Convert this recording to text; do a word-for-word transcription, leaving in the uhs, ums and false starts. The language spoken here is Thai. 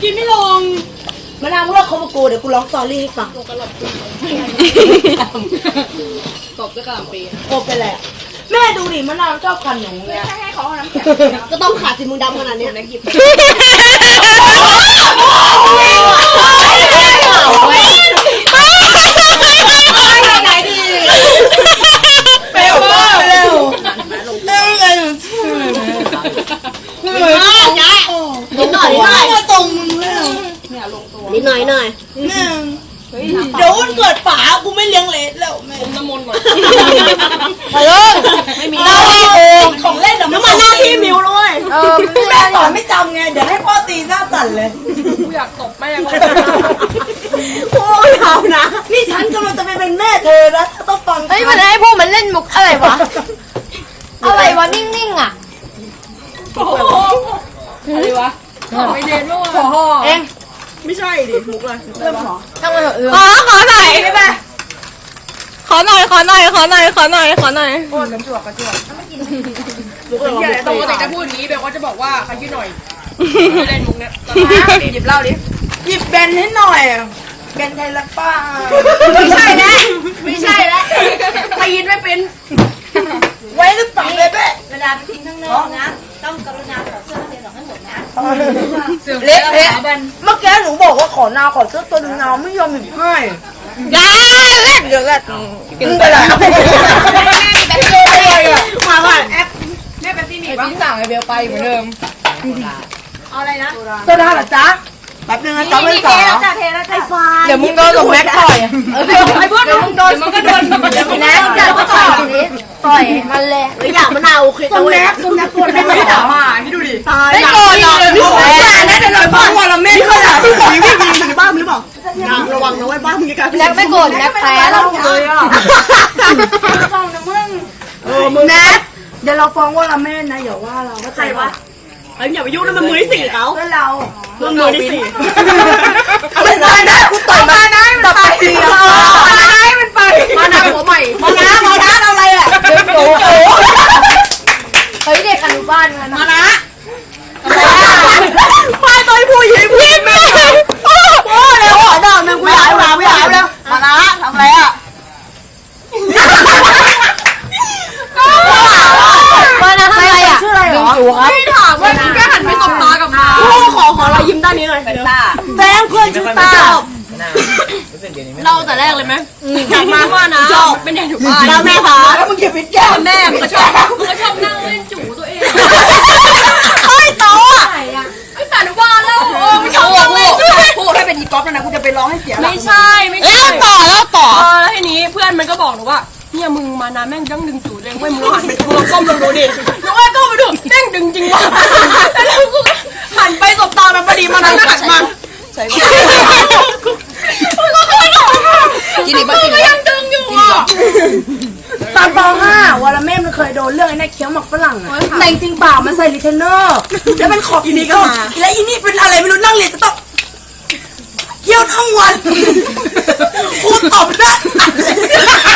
กินไม่ลงมะนาวมึงเลิกคบกับกูเดี๋ยวกูร้องสตอรี่ให้ฟังตบด้วยกระหล่ำปีโอ้เป็นไรแม่ดูดิมะนาวชอบคันหนูไงให้เขาเอาน้ำแข็งก็ต้องขาดสิมึงดำขนาดนี้นะหยิบไปเร็วเร็วเร็วไงหนูนิดหน่อยนิดหน่อยตรงมึงเร็วนิดหน่อยหน่อยเดี๋ยววันเกิดป๋ากูไม่เลี้ยงเลสแล้วแม่น้ำมนต์หน่อยไปเลยไม่มีเราของเล่นน้ำมันหน้าที่มิวเลยเออแม่สอนไม่จำไงเดี๋ยวให้พ่อตีหน้าสั่นเลยกูอยากตบแม่โอ้ยเอานะนี่ฉันกำลังจะไปเป็นแม่เธอนะต้องฟังเฮ้ยมันให้พวกมันเล่นมุกอะไรวะอะไรวะนิ่งๆอ่ะอะไรวะไม่เด่นด้วยเองไม่ใช่ดิมุกเลยเริ่มขอทำไมเออขอขอหน่อยได้ไหมขอหน่อยขอหน่อยขอหน่อยขอหน่อยขอหน่อยโอ้ยกระจวกกระจวกไม่กินมุกเลยปกติจะพูดอย่างนี้แบบว่าจะบอกว่าขยี้หน่อยเล่นมุกเนี้ยหยิบเหล้าดิหยิบแบนให้หน่อยแบนไทยละป้าไม่ใช่แล้วไม่ใช่แล้วไปยินไม่เป็นไว้หรือเปล่าเบ๊ะเวลาไปทิ้งข้างนอกนะต้องกรุณาถอดเสื้อนักเรียนออกให้หมดนะเละเละเมื่อกี้หนูบอกว่าขอนาวขอเสื้อตัวนึงนาวไม่ยอมหยิบให้ยาเล่นเดี๋ยวกันกินไปเลยมาว่าแอปแม่เป็นที่หนีบ้างสั่งไอเบลไปเหมือนเดิมเอาอะไรนะโซดาเหรอจ๊ะแป๊บนึงนะจ๊ะไม่สาวเดี๋ยวมึงโดนกับแม็กต่อยไอ้พวกมึงโดนมึงก็โดนเดี๋ยวนะจัดก็ต่อยนี้ต่อยมันเลยหรืออยากมะนาวโอเคตัวแม็กตัวแม็กตัวแม็กไม่ด่ามาพี่ดูดิไม่โกรธหรอกพี่โกรธนะเดี๋ยวเราบ้านวันละเม็ดเขาด่าพี่ผีพี่ผีอยู่ในบ้านพี่บอกระวังนะไว้บ้านมึงกันแม็กไม่โกรธแม็กแพ้แล้วเลยอ่ะฟ้องนะมึงเออมึงแม็กเดี๋ยวเราฟ้องว่าละเม็ดนะอย่าว่าเราใครวะไอ้อย่าไปยุ่งนะมันมือที่สี่เขาเพื่อนเราเพื่อนมือที่สี่มันมานะกูต่อยมานะมันไปมานะมันไปมานะหัวใหม่มานะมานะอะไรอ่ะโอ้โหเฮ้ยเด็กอนุบาลกันมานะไปต่อยผู้หญิงพี่แม่โอ้เร็วหัวดอกหนึ่งกูอยากมาไม่อยากแล้วมานะทำอะไรอ่ะมานะทำอะไรอ่ะชื่ออะไรหรอไม่ถามว่าแค่หันไปสบตากับเราขอขอเรายิ้มด้านนี้หน่อยตาแบงเพื่อนชื่อตาเราแต่แรกเลยไหมกลับมาว่านะจบเป็นอย่างถูกบ้านแล้วแม่คะแล้วมึงเก็บปิดแก้มแม่มึงก็ชอบมึงก็ชอบนั่งเล่นจู่ตัวเองเฮ้ยโตอ่ะไอ้สารบ้านแล้วโอ้ไม่ชอบนั่งเล่นพูดให้เป็นอีก๊อฟนะกูจะไปร้องให้เสียไม่ใช่ไม่ใช่แล้วต่อแล้วต่อเออทีนี้เพื่อนมันก็บอกหนูว่าเนี่ยมึงมานะแม่งดั้งดึงจู่เลยเว้ยมึงหันไปมึงก้มลงดูดิน้องไอ้ก้มไปดูแม่งดึงจริงว่ะแล้วกูหันไปสบตามันพอดีมานั้นหันมาใช่กินอีกบ้างกินอีกยังดึงอยู่อ่ะตอนป ห้าวรเมศมันเคยโดนเรื่องไอ้นี่เคี้ยวหมักฝรั่งอ่ะแต่จริงเปล่ามันใส่ลิเทนเนอร์แล้วมันขอบอีนี่ก็แล้วอีนี่เป็นอะไรไม่รู้นั่งเรียนจะต้องเคี้ยวทั้งวันกูตอบได้